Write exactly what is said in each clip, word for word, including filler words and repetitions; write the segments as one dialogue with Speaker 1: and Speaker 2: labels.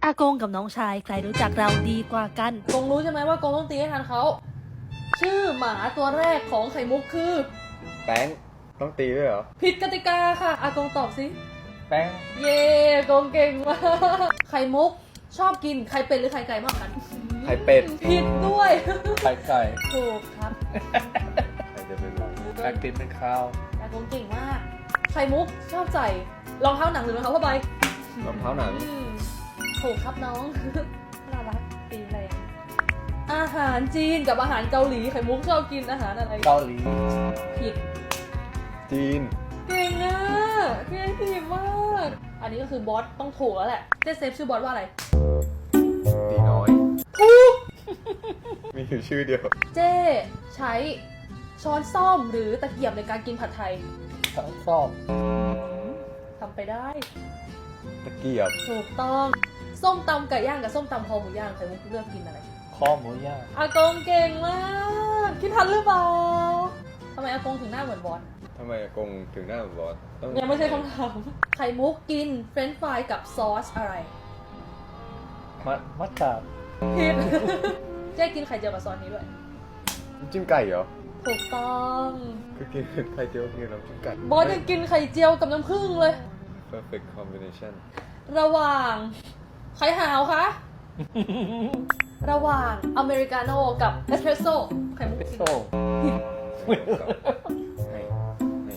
Speaker 1: อากงกับน้องชายใครรู้จักเราดีกว่ากันกงรู้ใช่ไหมว่ากงต้องตีให้ทันเขาชื่อหมาตัวแรกของไข่มุกคือ
Speaker 2: แป้งต้องตีด้วยเหรอ
Speaker 1: ผิดกติกาค่ะอากงตอบสิ
Speaker 3: แป้ง
Speaker 1: เย่กงเก่งมากไข่มุกชอบกินไข่เป็ดหรือไข่ไก่มากกัน
Speaker 2: ไข่เป็ด
Speaker 1: ผิดด้วย
Speaker 3: ไข่ไก่
Speaker 1: ถูกครับ
Speaker 2: ใครจะเป็นเรา
Speaker 3: ไข่ติดเป็นข้าว
Speaker 1: อากงเก่งมากไข่มุกชอบใส่รองเท้าหนังหรือรองเท้าผ้าใบ
Speaker 2: รองเท้าหนัง
Speaker 1: ถูกครับน้องน่ารักตีแรงอาหารจีนกับอาหารเกาหลีไข่มุกชอบกินอาหารอะไร
Speaker 3: เกาหลี
Speaker 1: ผิด
Speaker 2: จีน
Speaker 1: เก่งอ่ะเก่งดีมากอันนี้ก็คือบอสต้องถูกแล้วแหละเจ๊เซฟชื่อบอสว่าอะไร
Speaker 2: ตีน้อย
Speaker 1: ถูก
Speaker 2: มีอยู่ชื่อเดียว
Speaker 1: เจ๊ใช้ช้อนส้อมหรือตะเกียบในการกินผัดไทย
Speaker 3: ช้อนส้อม
Speaker 1: ทำไปได้
Speaker 2: ตะเกียบ
Speaker 1: ถูกต้องส้มตำไก่ย่างกับส้มตำคอหมูย่างไข่มุกเลือกกินอะไร
Speaker 3: คอหมูย่าง
Speaker 1: อากงเก่งมากคิดทันหรือเปล่าทำไมอากงถึงหน้าเหมือนบอส
Speaker 2: ทำไมอากงถึงหน้าเหมือนบอส
Speaker 1: ยังไม่ใช่คำถามไข่มุกกินเฟรนช์ฟรายกับซอสอะไร
Speaker 3: มัดมัดตาบ
Speaker 1: ผิดเจ๊กินไข่เจียวกับซอสนี้ด้วย
Speaker 2: จิ้มไก่เหรอ
Speaker 1: ถูกต้อง
Speaker 2: ก็กินไข่เจียวกินน้ำจิ้มไก่
Speaker 1: บอสยังกินไข่เจียวกับน้ำผึ้งเลย
Speaker 2: perfect combination
Speaker 1: ระหว่างไข่หาวคะ ระหว่างอเมริกาโน่กับเอสเปรสโซ่ไข่มุกกินผิด
Speaker 2: ให้ให้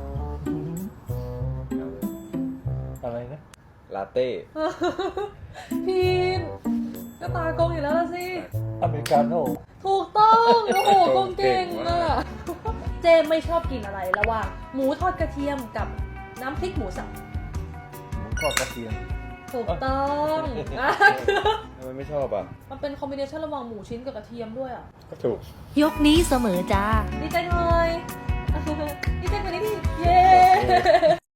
Speaker 3: อะไรนะ
Speaker 2: ลาเต้
Speaker 1: ผิดก็ตากงอยู่แล้วล่ะสิ
Speaker 3: อเมริกาโน่
Speaker 1: ถูกต้องโอ้โหกงเก่งอ่ะเจมไม่ชอบกินอะไรระหว่างหมูทอดกระเทียมกับน้ำพริกหมูสับ
Speaker 3: หมูทอดกระเทียม
Speaker 1: ถูกต้อง
Speaker 2: ทำไมไม่ชอบอ่ะ
Speaker 1: มันเป็นคอมบิเนชันระหว่างหมูชิ้นกับกระเทียมด้วยอ่ะ
Speaker 2: ก็ถูก
Speaker 1: ยกนี้เสมอจ้าดีใจหน่อย